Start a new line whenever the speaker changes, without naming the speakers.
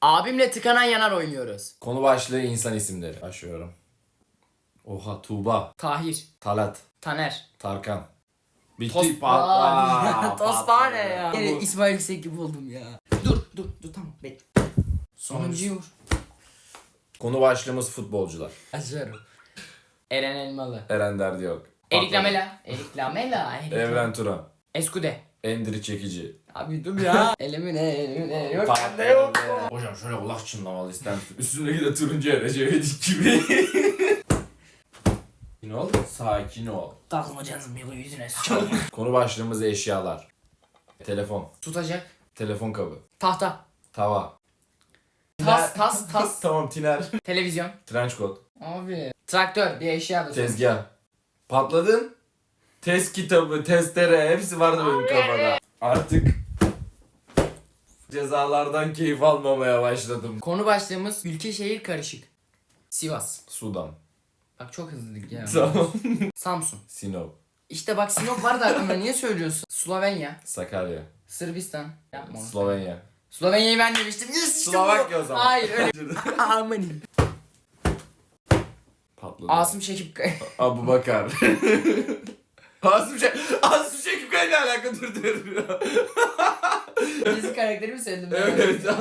Abimle tıkanan yanar oynuyoruz.
Konu başlığı insan isimleri. Başlıyorum. Oha, Tuğba,
Tahir,
Talat,
Taner,
Tarkan. Bitti.
Tosbağan. Tosbağan ne
patladı.
ya? Yine İsmail Yüksek gibi oldum ya. Dur tamam bekle. Sonuncuyu vur.
Konu başlığımız futbolcular.
Açıyorum. Eren Elmalı.
Eren Derdi yok.
Erik Lamela. Erik Lamela.
Evren Turan.
Eskude.
Endiri Çekici.
Abi dur ya. elimine yok bende yok.
Hocam şöyle kulak çınlamalı ister misin? Üstündeki de turuncu Recep İvedik gibi. Sakin ol. Sakin ol.
Takmayacaksın bir yüzüne sıçalım.
Konu başlığımız eşyalar. Telefon.
Tutacak.
Telefon kabı.
Tahta.
Tava.
Tas.
Tamam, tiner.
Televizyon.
Trench coat.
Abi. Traktör bir eşya da.
Tezgah. Patladın. Test kitabı, testere hepsi vardı benim kafada. Artık cezalardan keyif almamaya başladım.
Konu başlığımız ülke şehir karışık. Sivas.
Sudan.
Bak çok hızlıydık ya.
Tamam.
Samsun.
Sinop.
İşte bak Sinop var da aklımda niye söylüyorsun? Slovenya.
Sakarya.
Sırbistan. Yapma onu.
Slovenya.
Slovenya'yı ben demiştim. Yes, işte
Slovakya
bu.
o zaman.
Hayır öyle. Amanin.
Patladı.
Asım Şekip Kaya.
Abu Bakar. Asım Şekip Kaya ne alaka, dur.
Dizi karakterimi söyledim.
Evet.